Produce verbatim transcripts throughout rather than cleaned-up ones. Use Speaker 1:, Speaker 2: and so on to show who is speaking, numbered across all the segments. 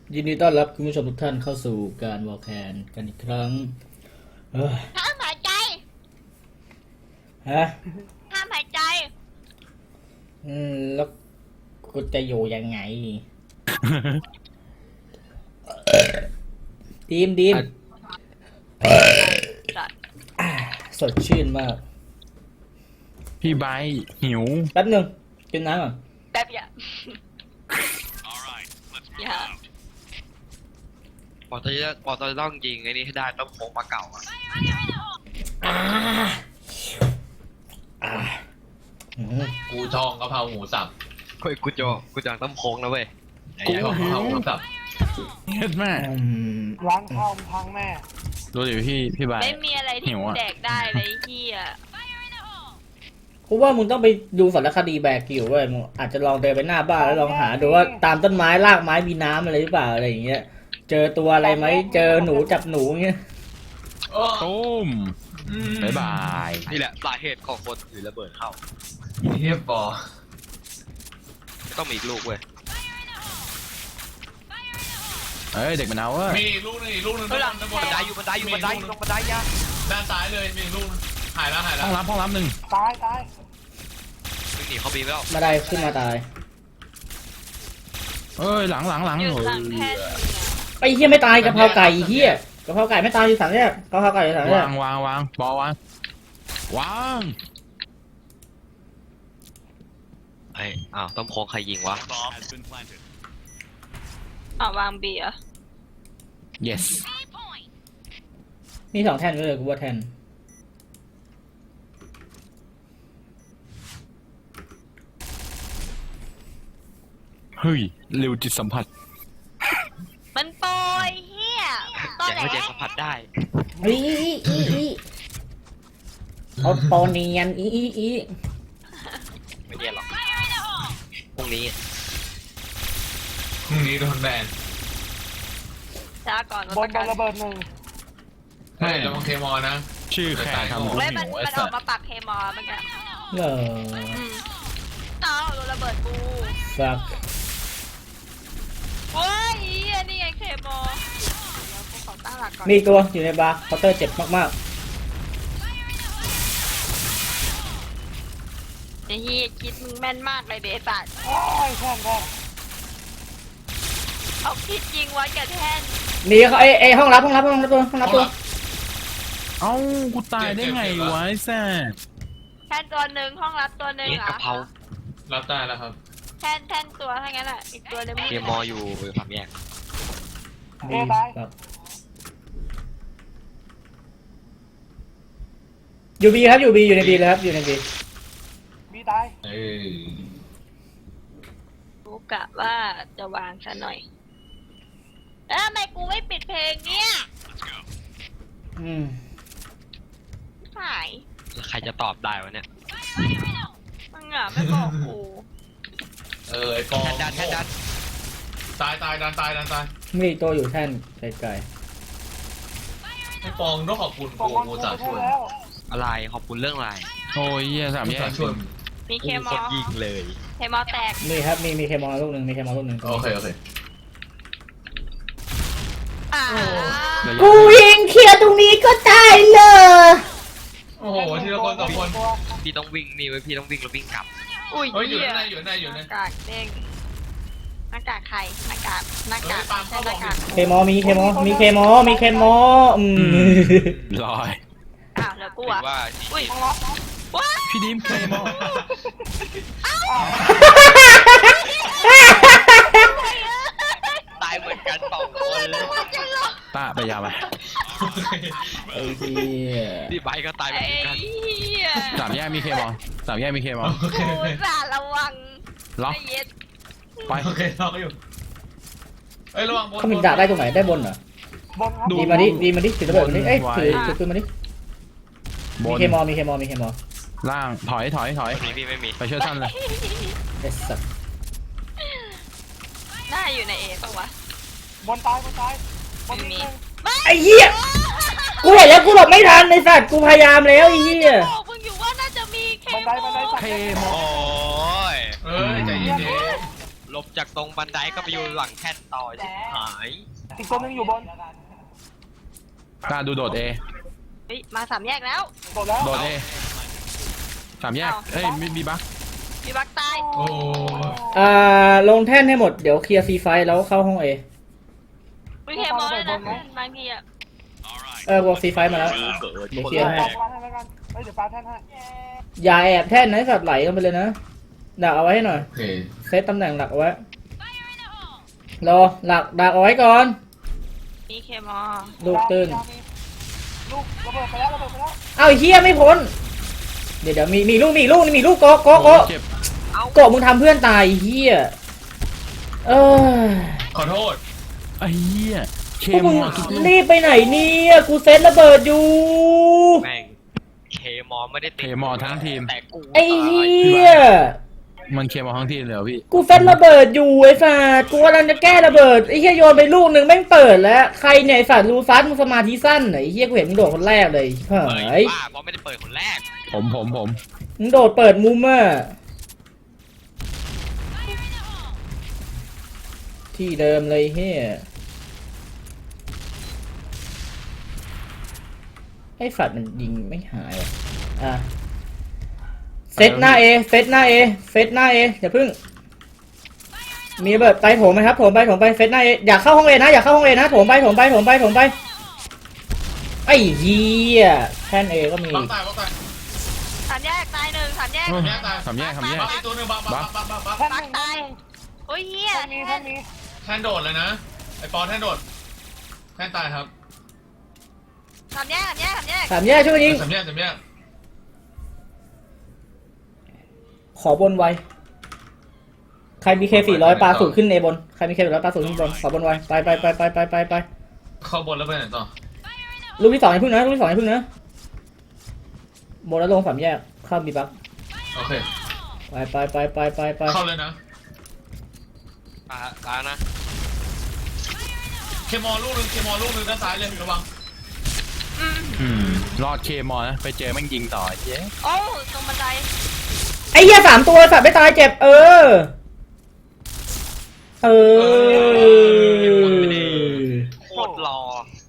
Speaker 1: ยินดีต้อนรับคุณผู้ชมทุกท่านเข้าสู่การวอลแคนกันอีกครั้งเอ้ย
Speaker 2: ห้ามหายใจ
Speaker 1: ฮะ
Speaker 2: ห้ามหายใจ
Speaker 1: อืมแล้วกูจะอยู่ยังไง ดีมดีมสดชื่นมาก
Speaker 3: พี่ไบร์ทหิว
Speaker 1: แป๊บหนึ่งกินน้ำก่อน
Speaker 2: แป๊บอย่าอย่า
Speaker 4: ปอตจะปอตจะต้องยิงไอ้นี่ให้ได้ต้องโค้งปลาเก่าอ่ะ
Speaker 1: อ่าอ่าอืม
Speaker 5: กูจองกะเพราหมูสับ
Speaker 4: เฮ้ยกูจะกูจะต้องโค้งนะเว้ย
Speaker 5: ไอ้กะเพราหมูสับ
Speaker 3: เฮ็ดแม่
Speaker 1: อืม
Speaker 6: ร้านข้าวมันพังแน่
Speaker 3: ดูดิพี่พี่ไบร์ท
Speaker 2: ไม่มีอะไรที่
Speaker 3: หิวอะ
Speaker 2: แดกได้เลยไอ้เฮีย
Speaker 1: กูว่ามึงต้องไปดูสารคดีแบกกิวเว้ยมึงอาจจะลองเดินไปหน้าบ้านแล้วลองหาดูว่าตามต้นไม้รากไม้มีน้ำอะไรหรือเปล่าอะไรอย่างเงี้ยเจอตัวอะไรไหมเจอหนูจับหนูเงี้ย
Speaker 5: โอ้
Speaker 3: ตุ้มบ๊ายบาย
Speaker 4: นี่แหละสาเหตุของคนถือระเบิดเข้า
Speaker 5: เฮียบอ
Speaker 4: ต้องมีอีกลูกเว้ย
Speaker 3: เอ้ยเด็กมันเอาเว้ย
Speaker 5: มีอีกลูกนึงอีกลูกนึง
Speaker 4: เฮ้ยหลัง
Speaker 5: ด้านบ
Speaker 4: บั
Speaker 5: น
Speaker 4: นไดอยู่บันไดอยู่บันไดอยู่ตรงบันไดยะ
Speaker 5: ด้านซ้ายเลยมีอีกลูกนึงหายแล้วหายแล้
Speaker 3: ห้
Speaker 5: ว
Speaker 3: องรับห้องรับหนึ่ง
Speaker 6: ตายตาย
Speaker 4: วิ่งหนีเขาบีไปแล้ว
Speaker 1: มาได้ขึ้นมาตาย
Speaker 3: เอ้ยหลังหลังหลัง
Speaker 2: อยู่
Speaker 3: โอ้
Speaker 2: หลังแท่
Speaker 3: ย
Speaker 2: น
Speaker 1: ไอ้เหี้ยไม่ตายกะเพราไก่เหี้ยกะเพราไก่ไม่ตายที่สามแยกกะเพราไก่ที่สามแยก
Speaker 3: วางวางวางบอลวางวาง
Speaker 4: ไอ้อ้าวต้องโค้งใครยิงวะ
Speaker 2: อ่าวางเบียร์
Speaker 3: yes
Speaker 1: มีสองแท่นเลยกูว่าแท่น
Speaker 3: เฮ้ยเร็วจิตสัมผัส
Speaker 2: มันโปรยเฮียตอ
Speaker 4: อน ย่า
Speaker 2: ไหน
Speaker 4: ให้เจสัมผัสได้
Speaker 1: อีอีอีอีเอาโปเนียนอีอีอี
Speaker 4: ไม่เนียนหรอกพรุ่งนี้
Speaker 5: พรุ่งนี้โดนแบน
Speaker 2: ช้าก่อน
Speaker 6: บ
Speaker 2: วัน
Speaker 6: น
Speaker 2: ประ
Speaker 6: บ
Speaker 2: กัน
Speaker 6: นระเบิดหนึ่ง
Speaker 5: ใช่ระวังเคมอลนะ
Speaker 3: ชื่อแค่ทำรู้
Speaker 2: เว้ย
Speaker 3: หิ
Speaker 2: มัน
Speaker 3: วไอ้
Speaker 2: มันอ
Speaker 3: สั
Speaker 2: อ
Speaker 3: ส
Speaker 2: กมาปักเคมอลเมื่อกี้
Speaker 1: เหรอ
Speaker 2: อืมเอ้าโดนระเบิดกู
Speaker 1: ฟัก
Speaker 2: เว้ยเฮียนี่ไงเคมอลเดี๋ยวกูขอตั้งหลักก่อน
Speaker 1: มีอีกตัวอยู่ในบาร์เคาน์เตอร์เจ็บมาก
Speaker 2: ไอ้เฮียคิดมึงแม่นมากเลยเดสัต
Speaker 6: โอ้ยแท่นแท่น
Speaker 2: เอาคิดยิงไว้กับแท่น
Speaker 1: ๆมีเขาไอ้ไอ้ห้องรับห้องรับห้องรับตัวห้องรับตัว
Speaker 3: เอ้ากูตายได้ไงวะไอ้แซ่บ
Speaker 2: แท่นตัวหนึ่งห้องรับตัวหนึ่ง
Speaker 4: นี่
Speaker 2: อ่ะ
Speaker 4: กะเพรา
Speaker 5: รับได้แล้วครับ
Speaker 2: แท่นแท่นตัวถ้างั้นอ่ะอีกตัวหนึงไม่
Speaker 4: เกมมออยู่สามแยก
Speaker 6: เอตาย
Speaker 1: ครับอยู่บีครับอยู่บีอยู่ในบีเลยครับอยู่ในบี
Speaker 6: บีตาย
Speaker 5: เออ
Speaker 2: กูกะว่าจะวางซะหน่อยเอ้าทำไมกูไม่ปิดเพลงเนี่ย
Speaker 1: อืม
Speaker 2: หาย
Speaker 4: แล้วใครจะตอบได้วะเนี่ย
Speaker 2: มึงอ่ะไม่บอกกู
Speaker 5: เออไอ้ปอง
Speaker 4: แทนดันแทนดัน
Speaker 5: ตายตายดันตายดันตาย
Speaker 1: มีอีกตัวอยู่แท่นไกล
Speaker 5: ไอ้ปองต้องขอบคุณ
Speaker 6: ตก
Speaker 5: กู
Speaker 6: วัน
Speaker 5: กู
Speaker 6: กู
Speaker 5: จะ
Speaker 6: ไป
Speaker 5: ช่วย
Speaker 6: แล้ว
Speaker 4: อะไรขอบคุณเรื่องอะไร
Speaker 3: โอ้ยเหี้ยสาม
Speaker 5: กู
Speaker 3: แย
Speaker 5: จะ
Speaker 3: ก
Speaker 5: ช่วย
Speaker 2: มีเค
Speaker 4: กู
Speaker 2: ม
Speaker 4: ค
Speaker 2: อน
Speaker 4: ยิงเลย
Speaker 2: เคมอแตก
Speaker 1: ๆมีครับมีมีเคมอลลูกหนึ่งมีเคมอลลูกหนึ่ง
Speaker 5: โอเคโอเค
Speaker 2: อ่า
Speaker 1: กูยิงเคลียร์ตรงนี้ก็ตายเลย
Speaker 5: โอ้โหทีละคนสองคน
Speaker 6: ตัว
Speaker 4: พี่ต้องวิ่งนี่ไว้ยพี่ต้องวิ่งแล้ววิ่งกลับ
Speaker 2: อุ้ย
Speaker 5: เฮ้ยอยู่
Speaker 2: เหี้
Speaker 5: ในอยู่ในอยู่
Speaker 2: ห
Speaker 5: ใน
Speaker 2: น้ากากเด้งหน้ากากใครหน้ากากหน้ากาก
Speaker 5: เฮ้ยปาล์ม
Speaker 2: ใช่
Speaker 5: เขา
Speaker 2: ห
Speaker 5: บอ
Speaker 2: น้าก กาก
Speaker 1: เคมอลมีเคมอลมีเคมอลมีเคมอลอืม
Speaker 3: ลอย
Speaker 2: อ้าวแล้วกู
Speaker 4: ถื
Speaker 2: อ่ะ
Speaker 4: อว่า
Speaker 2: อุ้ย
Speaker 6: ต้องรับ
Speaker 2: ว้า
Speaker 3: พี่ดิมเคมอ
Speaker 4: ตายเหมือนกันสองคนเลย
Speaker 3: ตาไปยาวไป
Speaker 1: ไอ้เหี้ย
Speaker 4: พี่ไบค์ก็ตายเหมื
Speaker 2: ไอ้
Speaker 4: อนกัน
Speaker 2: เหี้ย
Speaker 3: สามแยกมีเคมอสามแยกมีเคมอ
Speaker 5: โอเค
Speaker 2: กูสาระวัง
Speaker 3: ล็อก
Speaker 2: ไอ้เย็ด
Speaker 3: ไป
Speaker 5: โอเคล็อกอยู่เอ้ยระวังบน
Speaker 1: เขามีด่าได้ตรงไหนได้บนเหรอบ
Speaker 6: นครับ
Speaker 3: ดู
Speaker 1: ดีมาดิดีมาดิถือระเบิดมาดิเอ้ย
Speaker 3: ไว้
Speaker 1: ถือถือปืนมาดิ
Speaker 3: บ
Speaker 1: มี
Speaker 3: น
Speaker 1: เคมอลมีเคมอลมีเคมอล
Speaker 3: ล่างถอยถอยถอย
Speaker 4: ไม่มีพี่ไม่มี
Speaker 3: ไปช่วยท่านเลย
Speaker 1: เอสสัต
Speaker 2: หน้าอยู่ในเอปะวะ
Speaker 6: บนตายบนตายบนมีหนึ่ง
Speaker 1: ไอ้เหี้ยกูเห็นแล้วกูหลบไม่ทันไอ้สัตว์กูพยายามแล้วไอ้เหี้ย
Speaker 2: บอกมึงอยู่ว่าน่าจะมีเค
Speaker 6: บันไดบันได
Speaker 2: ม
Speaker 6: สัก
Speaker 3: เค
Speaker 6: เล่น
Speaker 3: มอ
Speaker 4: โอ้ย
Speaker 5: เอ้ยใจเย็น
Speaker 4: โลบจากตรงบันไดก็ไปอยู่หลังแท่นต่อชิบหาย
Speaker 6: อีกตัวหนึงอยู่บน
Speaker 3: กล้าดูโดดเอ
Speaker 2: เฮ้ยมาสามแยกแล้ว
Speaker 6: โดดแล้ว
Speaker 3: โดดเอสามแยก
Speaker 2: เอา
Speaker 3: เอ้ยมีมีบัก
Speaker 2: มีบักตาย
Speaker 5: โอ้
Speaker 1: อ่าลงแท่นให้หมดเดี๋ยวเคลียร์ซีไฟแล้วเข้าห้องเอ
Speaker 2: วิเคมอลเลยนะบางทีอะ
Speaker 1: เออวอลซีไฟมาแล้วเดี๋ยวเคลียร์ให้
Speaker 6: ปาแท่นให้กันเฮ้ยเดี๋ยวปาแท่นให้
Speaker 1: อย่าแอบแท่นนะให้สัตว์ไหลลงไปเลยนะดักเอาไว้ให้หน่อย
Speaker 5: โอเค
Speaker 1: เซตตำแหน่งหลักเอาไว้รอหลักดักเอาไว้ก่อน
Speaker 2: มีเคมอล
Speaker 1: ลูกตื่น
Speaker 6: ลูกระเบิดไปแล้วระเบิดไปแล้ว
Speaker 1: เอ้าไอ้เฮียไม่พ้นเดี๋ยวเดี๋ยวมีมีลูกมีลูกนี่มีลูกโกะโกะโกะ
Speaker 3: เจ็บ
Speaker 1: โกะมึงทำเพื่อนตายไอ้เฮียเออ
Speaker 5: ขอโทษ
Speaker 3: ไอ้เหี้ยเค
Speaker 1: พวก
Speaker 3: ม
Speaker 1: มึง
Speaker 3: อทุกลูก
Speaker 1: รีบไปไหนเนี่ยกูเซตระเบิดอยู่
Speaker 4: แม่งเคมอไม่ได้ติด
Speaker 3: เคมอทั้งทีม
Speaker 4: แต่กู
Speaker 1: ไอ้เฮีย
Speaker 3: มันเคมอทั้งทีมเลยเหรอพี่
Speaker 1: กูเซตระเบิดอยู่ไอ้สัตว์กูกำลังจะแก้ระเบิดไอ้เฮียโยนไปลูกหนึ่งแม่งเปิดแล้วใครเนี่ยไอ้สัตว์รูฟัสมึงสมาธิสั้นเหรอไอ้เฮียกูเห็นมึงโดดคนแรกเลยเฮ้
Speaker 4: เปิด
Speaker 1: ย
Speaker 4: บ้าเพราะไม่ได้เปิดคนแรก
Speaker 3: ผมผมผม
Speaker 1: มึงโดดเปิดมุมอะที่เดิมเลยเฮียไอ้ฝัดมันยิงไม่หายว่ะอ่ะเซตหน้าเอเซตหน้าเอเซตหน้าเออย่าพึ่งมีระเบิดไปโถมไหมครับโถมไปโถมไปเซตหน้าเออยากเข้าห้องเอนะอยากเข้าห้องเอนะโถมไปโถมไปโถมไปโถมไปไอ้เหี้ยแท่นเอก็มี
Speaker 5: บักตายบักตาย
Speaker 2: สามแยกตายหนึ่งสามแยก
Speaker 3: เอ้ย
Speaker 5: แยกตาย
Speaker 3: สามแยกสามแยก
Speaker 5: บักอีกตัวหนึงบักบักบักบักบักบัก
Speaker 6: แท่นห
Speaker 2: บั
Speaker 6: นึ่
Speaker 2: ก
Speaker 6: ง
Speaker 2: ตายโอ้ยเฮีย
Speaker 6: แท่นมีแท่นมี
Speaker 5: แท่นโดดเลยนะไอปอนแท่นโดดแท่นตายครับ
Speaker 2: สามแยกสามแยกสามแยก
Speaker 1: สามแยกช่วยกันยิง
Speaker 5: สามแยกสามแยก
Speaker 1: ขอบนไวใครมีเคสี่ร้อยปลาสูตรขึ้นเอบนใครมีเคสี่ร้อยปลาสูตรขึ้นบนขอบนไวไปไปไปไปไปไปไป
Speaker 5: เข้าบนแล้วไปไหนต่อ
Speaker 1: ลูกที่สองอย่าพึ่งนะลูกที่สองอย่าพึ่งนะบนแล้วลงสามแยกเข้าบีบัก
Speaker 5: โอเค
Speaker 1: ไปไปไปไปไปไป
Speaker 5: เข้าเลยนะ
Speaker 4: ตาตานะ
Speaker 5: เคมอลลูกหนึงเคมอลลูกหนึงด้านซ้ายเลยระวัง
Speaker 3: อืมรอดเคมอนะไปเจอแม่งยิงต่อเจ๊
Speaker 2: โอ้ตรงบันได
Speaker 1: ไอ้เหี้ยสามตัวสัตว์ไม่ตายเจ็บเออเออ
Speaker 4: โคตรรอ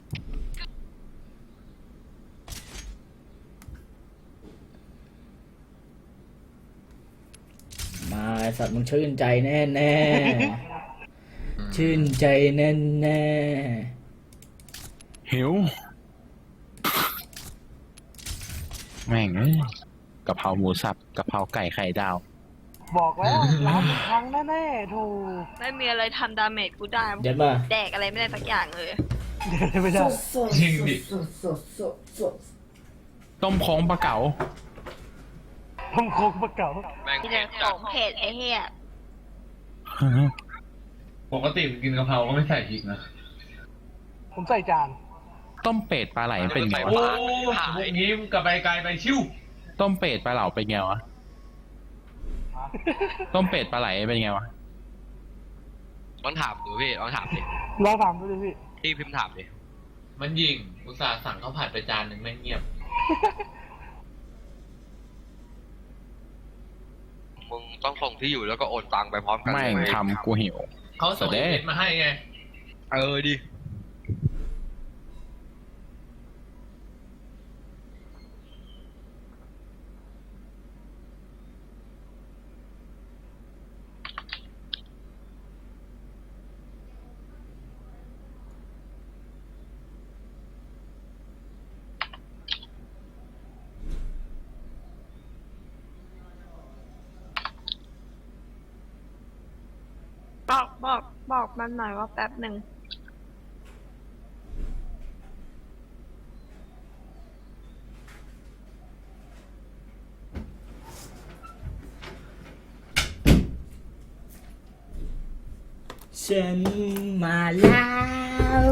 Speaker 1: มาไอ้สัตว์มึงชื่นใจแน่แน่ชื่นใจแน่แน่
Speaker 3: หิวแม่งเอ้ยกะเพราหมูสับกะเพราไก่ไข่ดาว
Speaker 6: บอกแล้วล้างครั้งแน่ๆถูก
Speaker 2: ไม่มีอะไรทำดาเมจกูได้
Speaker 1: เดี๋ยวมา
Speaker 2: แดกอะไรไม่ได้สักอย่างเลย
Speaker 6: ไม่ได้
Speaker 5: จริงดิ
Speaker 3: ต้มโค้งปลาเก๋า
Speaker 6: ต้องโคกประเก่า
Speaker 4: แม่ง
Speaker 2: ที่
Speaker 4: เจ็
Speaker 2: เดิ
Speaker 4: บ
Speaker 2: น
Speaker 4: จั
Speaker 2: ข
Speaker 4: ด
Speaker 2: องเพจไอ้เฮีย
Speaker 5: ปกติกินกะเพราก็ไม่ใส่พริกนะ
Speaker 6: ผมใส่จาน
Speaker 3: ต้มเป็ดปลาไหลเป็นไง
Speaker 5: โอ้
Speaker 3: วะ
Speaker 5: พวกนี้มึงกลับไปไกลไปชิว
Speaker 3: ต้มเป็ดปลาเหลาเป็นไงวะต้มเป็ดปลาไหลเป็นไงวะ
Speaker 4: ลองถามดูพี่ลองถามดิ
Speaker 6: ลองถามดูดิพี่
Speaker 4: พี่พิมพ์ถามดิ
Speaker 5: มันยิงอุตส่าห์สั่งข้าวผัดไปจานหนึ่งแม่งเงียบ
Speaker 4: มึงต้องส่งที่อยู่แล้วก็โอนตังไปพร้อมกัน
Speaker 3: แม่ง
Speaker 4: เว้ย
Speaker 3: ทำกูหิว
Speaker 5: เขาส่ง
Speaker 3: แสดง
Speaker 5: เม็ดมาให้ไง
Speaker 4: เออดิ
Speaker 2: บอกบอกบอกมันหน่อยว่าแป๊บหนึ่ง
Speaker 1: ฉันมาแล้ว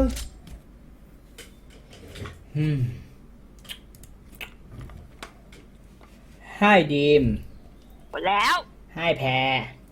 Speaker 1: อืมให้ดีม
Speaker 2: หมดแล้ว
Speaker 1: ให้แพร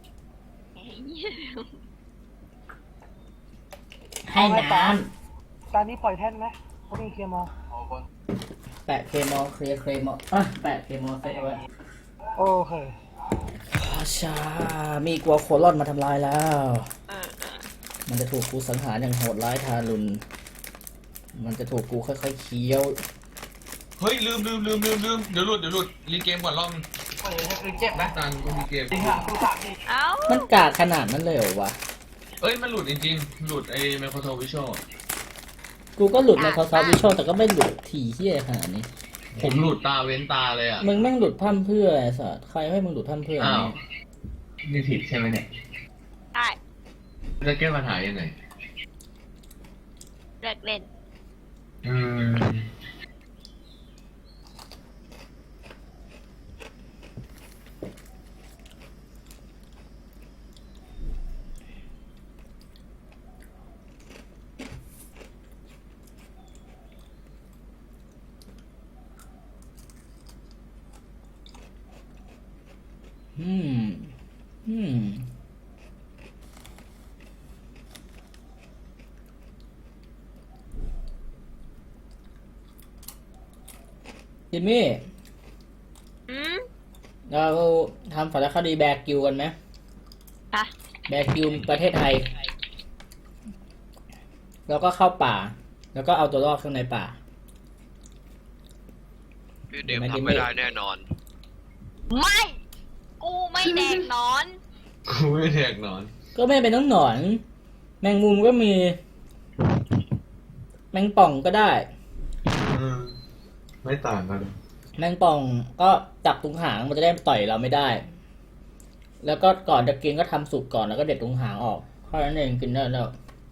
Speaker 1: ให้น้
Speaker 6: ตอนนี้ปล่อยแท่นไหมเขามีเคลียร์มอ
Speaker 1: ำแปะเคมอลเคลียร์เคมอลอ่ะแปะเคมอลเสร็จเอาไว้
Speaker 6: โอเค
Speaker 1: ขอชามีกลัวโคลอนมาทำลายแล้ว
Speaker 2: เออเออ
Speaker 1: มันจะถูกกูสังหารอย่างโหดร้ายทารุณ มันจะถูกกูค่อยๆเคี้ยว
Speaker 5: เฮ้ยลืมลืมลืมลืมลืมเดี๋ยวหลุดเดี๋ยวหลุดรีเกมก่อนรอบนึง
Speaker 6: เออคือเจ็บนะ
Speaker 5: ตังกูรีเกม
Speaker 6: จริงอ่ะกูสามดิ
Speaker 2: เอ้า
Speaker 1: มันกากขนาดนั้นเลยเหรอวะ
Speaker 5: เอ้ยมันหลุดจริงๆหลุดไอ้ Microsoft Visual
Speaker 1: กูก็หลุด Microsoft Visual แต่ก็ไม่หลุดถี่เหี้ยขนาดนี้
Speaker 5: ผมหลุดตาเว้นตาเลยอ่ะ
Speaker 1: มึงแม่งหลุดพร่ำเพรื่อไอ้สัสใครให้มึงหลุดพร่ำเพรื่อ
Speaker 5: อ้าว
Speaker 1: เนี่ย
Speaker 5: นี่ผิดใช่ไหมเนี่ย
Speaker 2: ได้
Speaker 5: จะแก้ปัญหายังไง
Speaker 2: เลิกเล่น
Speaker 5: อืม
Speaker 1: อืม อืม จิมมี่
Speaker 2: อืม
Speaker 1: เราทำสารคดีแบกกิวกันไหม
Speaker 2: อ่ะ
Speaker 1: แบกกิวประเทศไทย แล้วก็เข้าป่า แล้วก็เอาตัวรอดข้างในป่า
Speaker 4: พี่เดมทำไม่ได้แน่นอน
Speaker 2: ไม่ กูไม่แดงนอน
Speaker 5: กูไม่แทกนอน
Speaker 1: ก็ไม่เป็นต้องหนอน แมงมุมก็มี แมงป่องก็ได้
Speaker 5: อืมไม่ต่างกัน
Speaker 1: แมงป่องก็จับตรงหางมันจะได้ต่อยเราไม่ได้ แล้วก็ก่อนจะกินก็ทำสุกก่อนแล้วก็เด็ดตรงหางออกเพราะนั้นเองกินได้แล้ว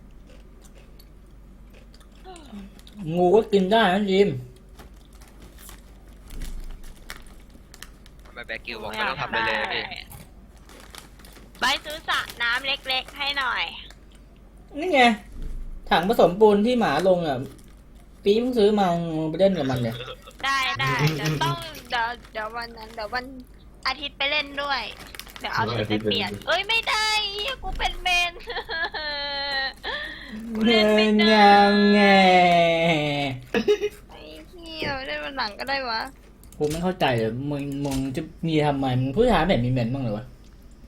Speaker 1: งูก็กินได้นะจิม
Speaker 4: ทำไมแบกกิวบอกไม่ต้องทำอะไรเลยพี่
Speaker 2: ไปซื้อสระน้ำเล็กๆให้หน่อย
Speaker 1: นี่ไง ถังผสมปูนที่หมาลงอ่ะ ปีมึงซื้อมามึงไปเล่นกับมันเนี่ย
Speaker 2: ได้ได้เดี๋ยวต้องเดี๋ยวเดี๋ยววันนั้นเดี๋ยววันอาทิตย์ไปเล่นด้วย เดี๋ยวเอาชุดไปเปลี่ยน เอ้ยไม่ได้เหี้ยกูเป็นเมน กูเล่นไม่ได้
Speaker 1: ยังไง
Speaker 2: ไอ้เหี้ยเล่นวันหลังก็ได้วะ
Speaker 1: กูไม่เข้าใจเลยมึงมึงจะมีทำไมมึงผู้ชายแบบมีเมนบ้างเลยวะ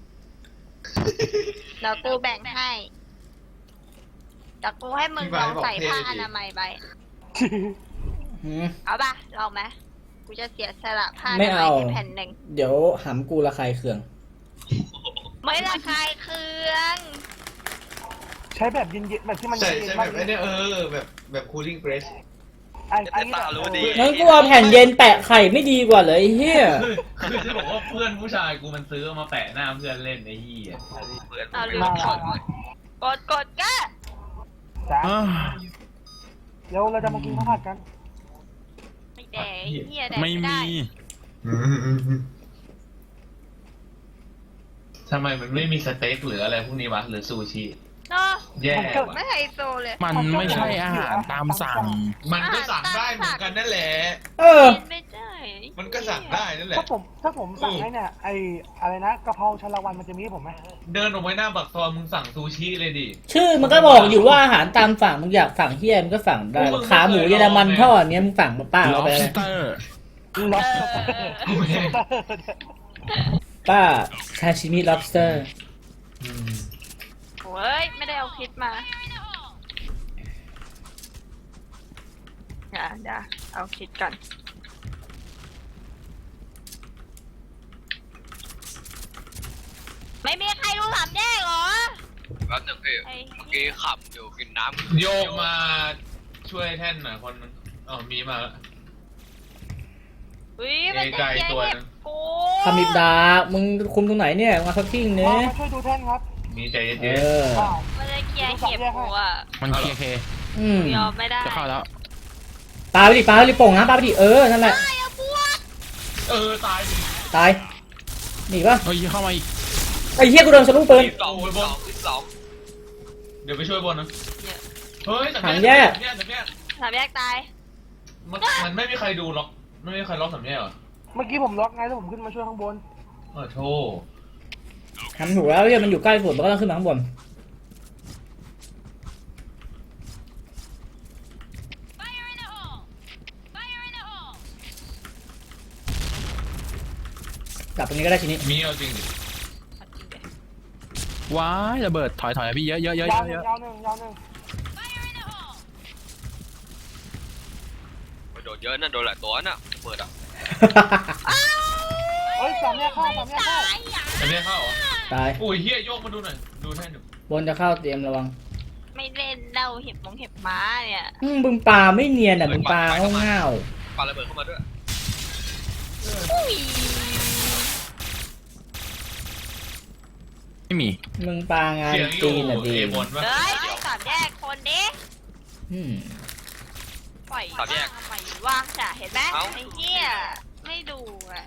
Speaker 2: เดี๋ยวกูแบ่งให้เดี๋ยวกูให้มึงลองใส่ผ้าอนามัยไป
Speaker 1: หืม
Speaker 2: เอาป่ะลองไหมกูจะเสียสละผ้า
Speaker 1: ไม่เอา
Speaker 2: ให้แผ่นหนึ่ง
Speaker 1: เดี๋ยวหำกูระคายเคือง
Speaker 2: ไม่ระคายเคือง
Speaker 6: ใช้แบบเย็นๆแบบที่มัน
Speaker 5: ใช่
Speaker 6: เย็น
Speaker 5: ใช่
Speaker 6: ๆ
Speaker 5: แบ
Speaker 6: มาก
Speaker 5: บไอ้เนี่ยเออแบบแบบ cooling press
Speaker 6: ไอ้ไอ้
Speaker 4: แต่ตารู้ดี
Speaker 1: งั้นกูเอาแผ่นเย็นแปะไข่ไม่ดีกว่าเลยไอ้เฮีย
Speaker 5: คือคือจะบอกว่าเพื่อนผู้ชายกูมันซื้อมาแปะหน้าเพื่อนเล่นไอ้เหี้ย
Speaker 4: เพื่อน
Speaker 2: เอา
Speaker 4: ไม่
Speaker 2: ลื
Speaker 4: ต้อ
Speaker 2: ม
Speaker 4: ง
Speaker 2: กดกดกดก็
Speaker 6: จ้า
Speaker 3: อ้าว
Speaker 6: เดี๋ยวเราจะมากินข้าวผัดกัน
Speaker 2: ไม่แดกไอ้เหี้ยแดก
Speaker 3: ไม่
Speaker 2: ไม่
Speaker 3: มี
Speaker 2: ได้
Speaker 5: ทำไมมันไม่มีสเต็กหรืออะไรพวกนี้วะหรือซูชิ
Speaker 2: เนาะ
Speaker 5: แย่
Speaker 2: ไม่
Speaker 5: ว่ะ
Speaker 2: ไฮโซเลย
Speaker 3: มันไม่ใช่อาหารตามสั่ง
Speaker 5: มันก็สั่งได้เหมือนกันนั่นแหละ
Speaker 1: เออ
Speaker 2: กินไม่ได้
Speaker 5: มันก็สั่งได้นั่นแหละ
Speaker 6: ถ้าผมถ้าผมสั่งให้เนี่ยไอ้อะไรนะกะเพราชาละวันมันจะมีให้ผมไหม
Speaker 5: เดินออกไปหน้าปากซอยมึงสั่งซูชิเลยดิ
Speaker 1: ชื่อมันก็บอกอยู่ว่าอาหารตามสั่งมึงอยากสั่งเฮียมึงก็สั่งได้
Speaker 5: มึง
Speaker 1: ขาหมูเยอรมันทอดเนี้ยมึงสั่งมาป้าเอาไปเลย
Speaker 3: lobster
Speaker 6: ล็อบ
Speaker 2: เออ
Speaker 1: ป้าซาชิมิ lobster
Speaker 5: อืม
Speaker 2: โอ้ยไม่ได้เอาคลิปมาเดี๋ยวเดี๋ยวเอาคลิปก่อนไม่มีใครรู้สามแยกเหรอ
Speaker 4: แป๊บหนึงพี่
Speaker 2: ไอ้
Speaker 4: เมื่อกี้ขับอยู่กินน้ำ
Speaker 5: โยกมาช่วยแท่นหน่อยคนนึงอ๋อมีมาแล้ว
Speaker 2: อุ้ยมันจะ
Speaker 5: ไกล
Speaker 2: เสีย
Speaker 5: ตัว
Speaker 2: เห็
Speaker 5: นึ
Speaker 2: บ
Speaker 5: ง
Speaker 2: กู
Speaker 1: คามิบดา มึงคุมตรงไหนเนี่ยมาสักทิ้ง
Speaker 6: มา
Speaker 1: เนี้ย
Speaker 6: ช่วยดูแท่นครับ
Speaker 5: มีใจ
Speaker 1: เอ
Speaker 5: เย็น
Speaker 1: อ
Speaker 6: อ้าว
Speaker 2: มันจะเคลียร์เห็บกูอ่ะ
Speaker 3: มันเคเค
Speaker 1: อืม
Speaker 2: ยอมไม่ได้
Speaker 3: จะเข้าแล้ว
Speaker 1: ปาไปดิปาไปดิโป่งนะปาไปดิเออ นั่นแหละ
Speaker 2: ไอ้อะพวก
Speaker 5: ๆเออตายดิ
Speaker 1: ตายหนีปะ
Speaker 3: เฮ้ยเข้ามาอีก
Speaker 1: ไอ้เฮียกูโดนสลูปปืน
Speaker 4: สองสองสอง
Speaker 5: เดี๋ยวไปช่วยบนนะ
Speaker 2: เนี่ย
Speaker 5: เฮ้ยสาม
Speaker 1: ถัง
Speaker 5: แย
Speaker 1: แย
Speaker 5: ก
Speaker 1: ก
Speaker 5: สามแยกสามแยก
Speaker 2: สามแยกตาย
Speaker 5: มันมันไม่มีใครดูล็อกไม่มีใครล็อกสามแยกเหรอ
Speaker 6: เมื่อกี้ผมล็อกไงแล้วผมขึ้นมาช่วยข้างบน
Speaker 5: เออโทษ
Speaker 1: ทำถูกแล้วเฮียมันอยู่ใกล้สุดมันก็ต้องขึ้นมาข้างบนกลับตรงนี้ก็ได้ทีนี้
Speaker 5: มีเอาจริงดิ
Speaker 3: ว้ายระเบิดถอยถอยพี่เยอะเยอะเยอะ
Speaker 6: ยาวห
Speaker 3: เย
Speaker 6: นึ่ง
Speaker 3: อะ
Speaker 6: ยาวหนึ่งยาวหนึ่ง
Speaker 4: โดนเยอะนะโดนหลายตัวน่ะเปิดอ่ะ
Speaker 6: เฮ้ยสามแยกเข้าสามแยกเข้า
Speaker 2: ตายอ่ะ
Speaker 5: จะเรียกเข้าเหรอ
Speaker 1: ตาย
Speaker 5: อุ้ยเฮียโยกมาดูหน่อยดูให้หนู
Speaker 1: บนจะเข้าเตรียมระวัง
Speaker 2: ไม่เล่นเล่าเห็บมงเห็บม้าเนี่ย
Speaker 1: อืมมึงปลาไม่เนียนอ่ะมึงปลาเง่า
Speaker 4: ปาระเบิดเข้ามาด้วย
Speaker 2: อุ้ย
Speaker 3: ไม่มี
Speaker 1: ๆมึงปลางาน
Speaker 5: เสียงอ
Speaker 1: จี
Speaker 5: ยู่
Speaker 1: นอ่ะดี
Speaker 5: เอบนปะ
Speaker 2: เฮ้ยสามแยกคนดิ
Speaker 1: อืม
Speaker 2: ปล่อยว่างทำไมว่างจ้ะเห็นไหมไอ้เหี้ยไม่ดูอ่ะ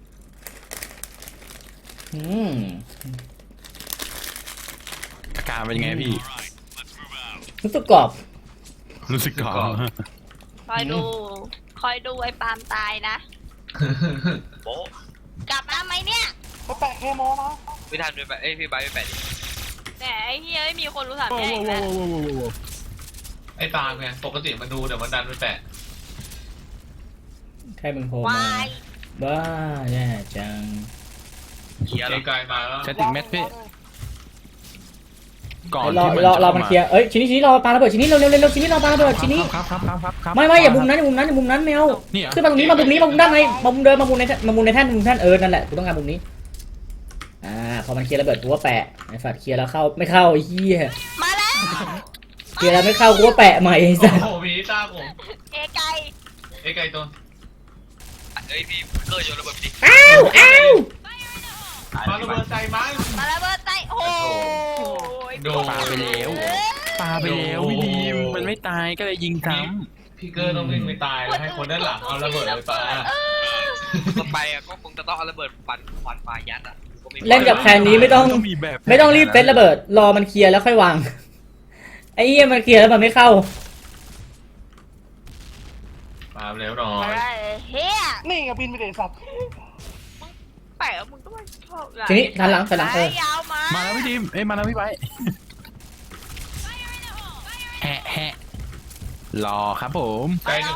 Speaker 1: อืม
Speaker 3: อาการเป็นยังไงพี่
Speaker 1: รู้สึกกรอบ
Speaker 3: รู้สึกก่อน
Speaker 2: คอยดู คอยดูไอ้ปาล์มตายนะ
Speaker 4: โป๊ะ
Speaker 2: กลับมาไหมเนี่ย
Speaker 6: ไปแปะเคโมนะ
Speaker 4: พี่ทันไปแปะเอ้ยพี่ไบร์ทไปแปะดิ
Speaker 2: แต่ไอ้เหี้ยไม่มีคนรู้สาม
Speaker 3: โว้
Speaker 2: แยก
Speaker 3: โว้
Speaker 2: อีก
Speaker 3: โว้
Speaker 2: แล้ว
Speaker 3: โว้โว้โว้โว้
Speaker 5: ไอ้ตามไงปกติมันดูเดี๋ยวมันดันไปแปะ
Speaker 1: ใครมึงโผล่
Speaker 2: ว
Speaker 1: มา
Speaker 2: าย
Speaker 1: บ้าแย่จัง
Speaker 4: เกียร์
Speaker 5: ไกลๆมาแล้ว
Speaker 3: ใช้ถึงเม็ดพี่ก่อน
Speaker 1: รอ
Speaker 3: ที่มัน
Speaker 1: รอรอ
Speaker 3: จะ
Speaker 1: มันเคลียร์เอ้ยชิ้นนี้ชิ้นนี้รอปาระเบิดชิ้นนี้เร็วเร็วเร็วชิ้นนี้รอปาระเบิดชิ้นนี้
Speaker 3: ครับครับครับครับครับ
Speaker 1: ไม่ไม่อย่ามุมนั้นอย่ามุมนั้นอย่ามุมนั้นไม่เอา
Speaker 3: นี่เหรอ
Speaker 1: ขึ้นมาตรงนี้มามุมนี้มามุมด้านในมามุมเดินมามุมในมามุมในแท่นมุมแท่นเออนั่นแหละกูต้องการมุมนี้อ่าพอมันเคลียร์ระเบิดกูว่าแปะไอ้ฝัดเคลียร์แล้วเข้าไม่เข้าไอ้เหี้ย
Speaker 2: มาแล้ว
Speaker 1: เคลียร์แล้วไม่เข้ากูว่าแปะใหม่ไอ้
Speaker 5: โอ้
Speaker 1: สัส
Speaker 5: โหมีตาผม
Speaker 2: เอไก่
Speaker 5: ไอ้ไก่ตัว
Speaker 4: เอ้ยพี่เกอร์โยนระเบิดไปดิ
Speaker 1: อ้าวอ้าว
Speaker 5: มาระเบิดใส่มัน
Speaker 2: มาแล้วเบิร์ดใจโอ้ย
Speaker 5: โดน
Speaker 3: ปาไปแล้วปาไปแล้วพี่ดีมมันไม่ตายก็เลยยิงซ้
Speaker 5: พี่เกอร์ต้องวิ่งไปตายแล้วให้คนด้านหลังเอาระเบิดไปปา
Speaker 4: ต่อไปอ่ะก็คงจะต้องเอาระเบิดฟันฟันปลายัดอ่ะก็ไม่
Speaker 1: เล่นกับแคนนี้ไม่ต้อง
Speaker 3: ต้องมีแบบ
Speaker 1: ไม่ต้องรีบเซตระเบิดรอมันเคลียร์แล้วค่อยวางไอ้เหี้ยมันเคลียร์แล้วมันไม่เข้า
Speaker 5: ปาเร็วหน่อย
Speaker 2: อะไรเฮีย
Speaker 6: นี่ไงบินไปเด็สัตว์
Speaker 2: แปะมึงก็ไม่ชอบ
Speaker 1: ทีนี้ทันหลังทันหลังเออ
Speaker 2: ยาวมา
Speaker 3: มาแล้วพี่ดีมเอ้ยมาแล้วพี่ไปแฮะแฮะรอครับผม
Speaker 5: ไกลหนึ่ง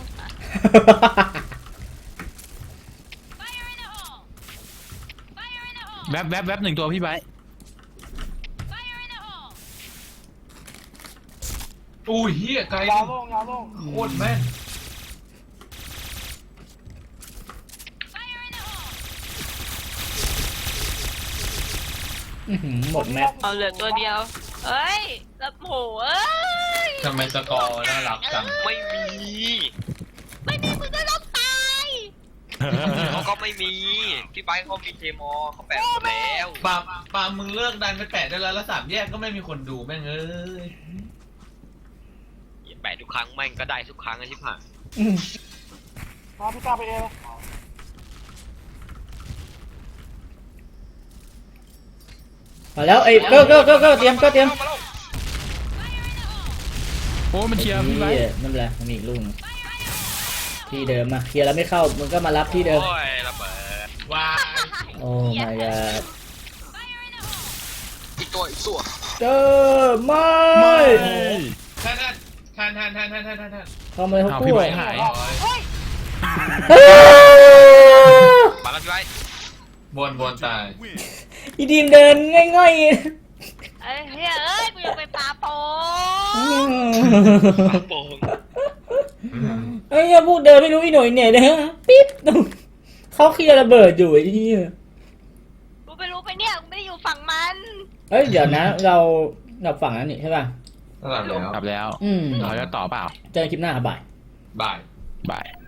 Speaker 3: แวบแวบแวบหนึ่งตัวพี่ไป
Speaker 5: อุ้ยเฮียไกลห
Speaker 6: ยา
Speaker 5: นึ่
Speaker 6: ว
Speaker 5: ง
Speaker 6: โล่งยาวโล่ง
Speaker 5: โคตรแม่น
Speaker 1: อื้อหือหมดแม็ก
Speaker 2: เอาเหลือตัวเดียวเอ้ยแล้วโหเอ้ย
Speaker 5: ทำไมสกอร์น่ารักจัง
Speaker 4: ไม่มี
Speaker 2: ไม่มีมึงก็ต้องตาย
Speaker 4: เขาก็ไม่มีพี่ไบร์ทเขามีเทมอเขาแปะหมดแล้ว
Speaker 5: ปาปามึงเลิกดันไปแปะได้แล้วแล้วสามแยกก็ไม่มีคนดูแม่งเอ้ย
Speaker 4: แปะทุกครั้งแม่งก็ได้ทุกครั้งไอ้ชิบหาย
Speaker 1: อืม
Speaker 6: มาพี่ตาไปเอเลย
Speaker 1: มาแล้วไอ้เก้าเก้าเก้าเก้าเตรียมเก้าเตรียม
Speaker 3: โอ้มันเชียร์พี่ไป
Speaker 1: ไอ้เหี้ยนั่นแหละมันมีอีกลูกหนึ่งที่เดิมมาเคลียร์แล้วไม่เข้ามึงก็มารับที่เดิม
Speaker 4: โอ้ยระเบิด
Speaker 5: ว้าย
Speaker 1: โอ้ my god
Speaker 4: อีกตัวอีกตัว
Speaker 1: เจอไม่
Speaker 3: ไม่
Speaker 5: แทนแทนแทนแทนแทนแทนแทนแทน
Speaker 1: เข้ามาเลยทุก
Speaker 3: อ้าว
Speaker 1: คู่
Speaker 3: พี่ไบร์ทหาย
Speaker 2: เฮ้ย
Speaker 4: มาแล้วพี่ไบร์ท
Speaker 5: บนบนตาย
Speaker 1: อีดีมเดินง่อย
Speaker 2: เอ้ยเฮ้ยเอ้ยกูยังไปปาโป
Speaker 1: ๆ
Speaker 4: ปาโป่ง
Speaker 1: ไอ้เหี้ยพวกเดินไม่รู้อีหน่อยเนี่ยนะปิ๊บเขาเคลียร์ระเบิดอยู่ไอ้เหี้ย
Speaker 2: กูไปรู้ไปเนี่ยกูไม่ได้อยู่ฝั่งมัน
Speaker 1: เอ้ยเดี๋ยวนะ เราเราฝั่งนั้นนี่ใช่ป่ะ
Speaker 5: ตลอดแล้ว
Speaker 3: กลับแล้ว
Speaker 1: อืม
Speaker 3: เราจะต่อเปล่า
Speaker 1: เจอกันคลิปหน้าครับบ่าย
Speaker 5: บ่าย
Speaker 3: บาย